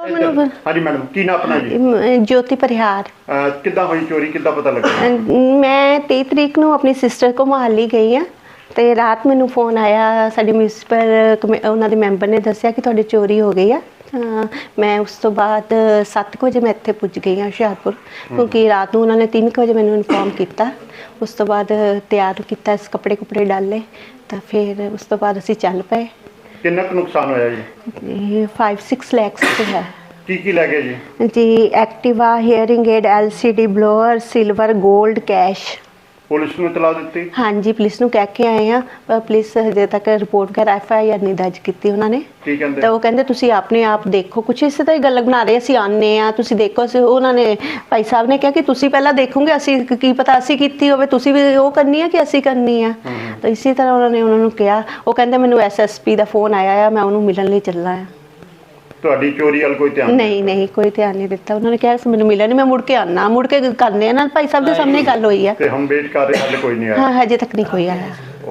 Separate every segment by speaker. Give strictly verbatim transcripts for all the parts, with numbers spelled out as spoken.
Speaker 1: ਮੈਨੂੰ
Speaker 2: ਹਾਂਜੀ ਮੈਡਮ, ਕੀ ਨਾਮ ਆਪਣਾ ਜੀ?
Speaker 1: ਅਮ, ਜੋਤੀ ਪਰਿਹਾਰ।
Speaker 2: ਅਹ ਕਿੱਦਾਂ ਹੋਈ ਚੋਰੀ, ਕਿੱਦਾਂ ਪਤਾ ਲੱਗਾ?
Speaker 1: ਅਮ, ਮੈਂ ਤੇਈ ਤਰੀਕ ਨੂੰ ਆਪਣੀ ਸਿਸਟਰ ਕੋਲ ਮੁਹਾਲੀ ਗਈ ਆ ਤੇ ਰਾਤ ਮੈਨੂੰ ਫੋਨ ਆਇਆ, ਸਾਡੇ ਮਿਊਨਿਸਪਲ ਕਮੇ ਉਹਨਾਂ ਦੇ ਮੈਂਬਰ ਨੇ ਦੱਸਿਆ ਕਿ ਤੁਹਾਡੀ ਚੋਰੀ ਹੋ ਗਈ ਆ। ਤਾਂ ਮੈਂ ਉਸ ਤੋਂ ਬਾਅਦ ਸੱਤ ਕੁ ਵਜੇ ਮੈਂ ਇੱਥੇ ਪੁੱਜ ਗਈ ਹਾਂ ਹੁਸ਼ਿਆਰਪੁਰ, ਕਿਉਂਕਿ ਰਾਤ ਨੂੰ ਉਹਨਾਂ ਨੇ ਤਿੰਨ ਕੁ ਵਜੇ ਮੈਨੂੰ ਇਨਫੋਰਮ ਕੀਤਾ। ਉਸ ਤੋਂ ਬਾਅਦ ਤਿਆਰ ਕੀਤਾ, ਇਸ ਕੱਪੜੇ ਕੁਪੜੇ ਡਾਲੇ ਤਾਂ ਫਿਰ ਉਸ ਤੋਂ ਬਾਅਦ ਅਸੀਂ ਚੱਲ ਪਏ।
Speaker 2: ਕਿੰਨਾ ਕੁ ਨੁਕਸਾਨ ਹੋਇਆ ਜੀ?
Speaker 1: फाइव सिक्स लैक्स ਤੇ ਹੈ
Speaker 2: ਕੀ ਕੀ ਲੈ ਗਏ ਜੀ?
Speaker 1: ਜੀ Activa, hearing aid, L C D, blower, silver, 골ਡ, ਕੈਸ਼।
Speaker 2: ਪੁਲਿਸ ਨੂੰ ਇਤਲਾਹ ਦਿੱਤੀ?
Speaker 1: ਹਾਂਜੀ, ਪੁਲਿਸ ਨੂੰ ਕਹਿ ਕੇ ਆਏ ਆ, ਪਰ ਪੁਲਿਸ ਹਜੇ ਤੱਕ ਰਿਪੋਰਟ ਕਰ ਐਫ ਆਈ ਆਰ ਨਹੀਂ ਦਰਜ ਕੀਤੀ ਉਹਨਾਂ ਨੇ।
Speaker 2: ਕੀ ਕਹਿੰਦੇ?
Speaker 1: ਤਾਂ ਉਹ ਕਹਿੰਦੇ ਤੁਸੀਂ ਆਪਣੇ ਆਪ ਦੇਖੋ, ਕੁਛ ਇਸੇ ਤਰ੍ਹਾਂ ਹੀ ਗੱਲ ਬਣਾ ਰਹੇ, ਅਸੀਂ ਆਨੇ ਆ ਤੁਸੀਂ ਦੇਖੋ। ਅਸੀਂ ਉਹਨਾਂ ਨੇ ਭਾਈ ਸਾਹਿਬ ਨੇ ਕਿਹਾ ਕਿ ਤੁਸੀਂ ਪਹਿਲਾਂ ਦੇਖੋਗੇ, ਅਸੀਂ ਕੀ ਪਤਾ ਅਸੀਂ ਕੀਤੀ ਹੋਵੇ, ਤੁਸੀਂ ਵੀ ਉਹ ਕਰਨੀ ਆ ਕਿ ਅਸੀਂ ਕਰਨੀ ਆ। ਤਾਂ ਇਸੇ ਤਰ੍ਹਾਂ ਉਹਨਾਂ ਨੇ ਉਹਨਾਂ ਨੂੰ ਕਿਹਾ। ਉਹ ਕਹਿੰਦੇ ਮੈਨੂੰ ਐਸ ਐਸ ਪੀ ਦਾ ਫੋਨ ਆਇਆ ਆ, ਮੈਂ ਉਹਨੂੰ ਮਿਲਣ ਲਈ ਚੱਲਾ ਆ।
Speaker 2: ਤੁਹਾਡੀ ਚੋਰੀ ਵੱਲ ਕੋਈ ਧਿਆਨ
Speaker 1: ਨਹੀਂ ਨਹੀਂ ਕੋਈ ਧਿਆਨ ਨਹੀਂ ਦਿੱਤਾ। ਉਹਨਾਂ ਨੇ ਕਿਹਾ ਮੈਨੂੰ ਮਿਲਿਆ ਨਹੀਂ, ਮੈਂ ਮੁੜ ਕੇ ਆਣਾ, ਮੁੜ ਕੇ ਕਰਨੇ ਆ ਨਾ। ਭਾਈ ਸਾਹਿਬ ਦੇ ਸਾਹਮਣੇ ਗੱਲ ਹੋਈ ਆ
Speaker 2: ਤੇ ਹਮ ਵੇਟ ਕਰ ਰਹੇ, ਹਾਲੇ ਕੋਈ ਨਹੀਂ ਆਇਆ?
Speaker 1: ਹਾਂ, ਹਜੇ ਤੱਕ ਨਹੀਂ ਕੋਈ ਆਇਆ।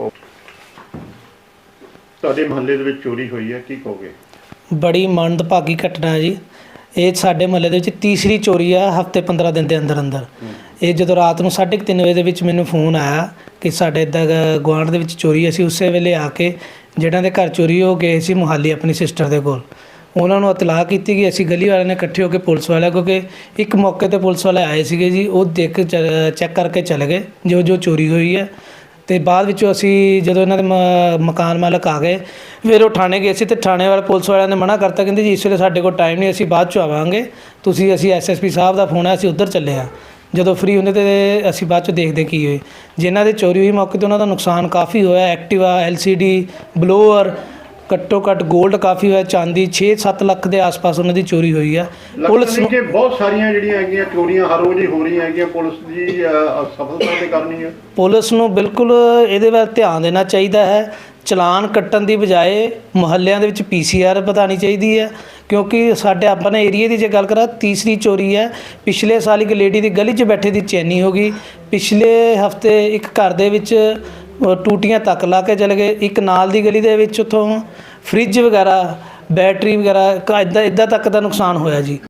Speaker 2: ਤੁਹਾਡੇ ਮੁਹੱਲੇ ਦੇ ਵਿੱਚ ਚੋਰੀ ਹੋਈ ਹੈ, ਕੀ ਕਹੋਗੇ?
Speaker 3: ਬੜੀ ਮੰਦਭਾਗੀ ਘਟਨਾ ਹੈ ਜੀ। ਇਹ ਸਾਡੇ ਮੁਹੱਲੇ ਦੇ ਵਿੱਚ ਤੀਸਰੀ ਚੋਰੀ ਆ ਹਫ਼ਤੇ ਪੰਦਰਾਂ ਦਿਨ ਦੇ ਅੰਦਰ ਅੰਦਰ। ਇਹ ਜਦੋਂ ਰਾਤ ਨੂੰ ਸਾਢੇ ਕੁ ਤਿੰਨ ਵਜੇ ਦੇ ਵਿੱਚ ਮੈਨੂੰ ਫੋਨ ਆਇਆ ਕਿ ਸਾਡੇ ਇੱਦਾਂ ਗੁਆਂਢ ਦੇ ਵਿੱਚ ਚੋਰੀ। ਅਸੀਂ ਉਸੇ ਵੇਲੇ ਆ ਕੇ ਜਿਹਨਾਂ ਦੇ ਘਰ ਚੋਰੀ ਹੋ ਗਏ ਸੀ ਮੁਹਾਲੀ ਆਪਣੀ ਸਿਸਟਰ ਦੇ ਕੋਲ, ਉਹਨਾਂ ਨੂੰ ਇਤਲਾਹ ਕੀਤੀ ਕਿ ਅਸੀਂ ਗਲੀ ਵਾਲਿਆਂ ਨੇ ਇਕੱਠੇ ਹੋ ਕੇ ਪੁਲਿਸ ਵਾਲਿਆਂ, ਕਿਉਂਕਿ ਇੱਕ ਮੌਕੇ 'ਤੇ ਪੁਲਿਸ ਵਾਲੇ ਆਏ ਸੀਗੇ ਜੀ, ਉਹ ਦੇਖ ਚੈੱਕ ਕਰਕੇ ਚਲੇ ਗਏ ਜੋ ਜੋ ਚੋਰੀ ਹੋਈ ਹੈ। ਅਤੇ ਬਾਅਦ ਵਿੱਚੋਂ ਅਸੀਂ ਜਦੋਂ ਇਹਨਾਂ ਦੇ ਮ ਮਕਾਨ ਮਾਲਕ ਆ ਗਏ, ਫਿਰ ਉਹ ਥਾਣੇ ਗਏ ਸੀ ਅਤੇ ਥਾਣੇ ਵਾਲੇ ਪੁਲਿਸ ਵਾਲਿਆਂ ਨੇ ਮਨਾ ਕਰਤਾ, ਕਹਿੰਦੇ ਜੀ ਇਸ ਵੇਲੇ ਸਾਡੇ ਕੋਲ ਟਾਈਮ ਨਹੀਂ, ਅਸੀਂ ਬਾਅਦ 'ਚ ਆਵਾਂਗੇ, ਤੁਸੀਂ ਅਸੀਂ ਐਸ ਐਸ ਪੀ ਸਾਹਿਬ ਦਾ ਫੋਨ ਹੈ, ਅਸੀਂ ਉੱਧਰ ਚੱਲੇ ਹਾਂ। ਜਦੋਂ ਫਰੀ ਹੁੰਦੇ ਤਾਂ ਅਸੀਂ ਬਾਅਦ 'ਚ ਦੇਖਦੇ ਕੀ ਹੋਏ। ਜਿਨ੍ਹਾਂ ਦੇ ਚੋਰੀ ਹੋਈ ਮੌਕੇ 'ਤੇ ਉਹਨਾਂ ਦਾ ਨੁਕਸਾਨ ਕਾਫੀ ਹੋਇਆ। Activa, L C D, blower, ਘੱਟੋ ਘੱਟ 골ਡ ਕਾਫੀ ਹੋਇਆ, ਚਾਂਦੀ ਛੇ ਸੱਤ ਲੱਖ ਦੇ ਆਸ-ਪਾਸ ਉਹਨਾਂ ਦੀ ਚੋਰੀ ਹੋਈ ਆ।
Speaker 2: ਪੁਲਿਸ ਨੂੰ ਬਹੁਤ ਸਾਰੀਆਂ ਜਿਹੜੀਆਂ ਹੈਗੀਆਂ ਚੋਰੀਆਂ ਹਰ ਰੋਜ਼ ਹੀ ਹੋ ਰਹੀਆਂ ਹੈਗੀਆਂ, ਪੁਲਿਸ ਦੀ ਸਫਲਤਾ ਤੇ ਕਰਨੀ ਹੈ।
Speaker 3: ਪੁਲਿਸ ਨੂੰ ਬਿਲਕੁਲ ਇਹਦੇ ਵੱਲ ਧਿਆਨ ਦੇਣਾ ਚਾਹੀਦਾ ਹੈ। ਚਲਾਨ ਕੱਟਣ ਦੀ ਬਜਾਏ ਮੁਹੱਲਿਆਂ ਦੇ ਵਿੱਚ ਪੀ ਸੀ ਆਰ ਵਧਾਉਣੀ ਚਾਹੀਦੀ ਹੈ, ਕਿਉਂਕਿ ਸਾਡੇ ਆਪਣੇ ਏਰੀਏ ਦੀ ਜੇ ਗੱਲ ਕਰਾਂ ਤੀਸਰੀ ਚੋਰੀ ਹੈ। ਪਿਛਲੇ ਸਾਲ ਇੱਕ ਲੇਡੀ ਦੀ ਗਲੀ 'ਚ ਬੈਠੇ ਦੀ ਚੈਨੀ ਹੋ ਗਈ। ਪਿਛਲੇ ਹਫਤੇ ਇੱਕ ਘਰ ਦੇ ਵਿੱਚ ਟੂਟੀਆਂ ਤੱਕ ਲਾ ਕੇ ਚਲੇ ਗਏ। ਇੱਕ ਨਾਲ ਦੀ ਗਲੀ ਦੇ ਵਿੱਚ ਉੱਥੋਂ ਫਰਿੱਜ ਵਗੈਰਾ, ਬੈਟਰੀ ਵਗੈਰਾ ਇੱਦਾਂ ਇੱਦਾਂ ਤੱਕ ਦਾ ਨੁਕਸਾਨ ਹੋਇਆ ਜੀ।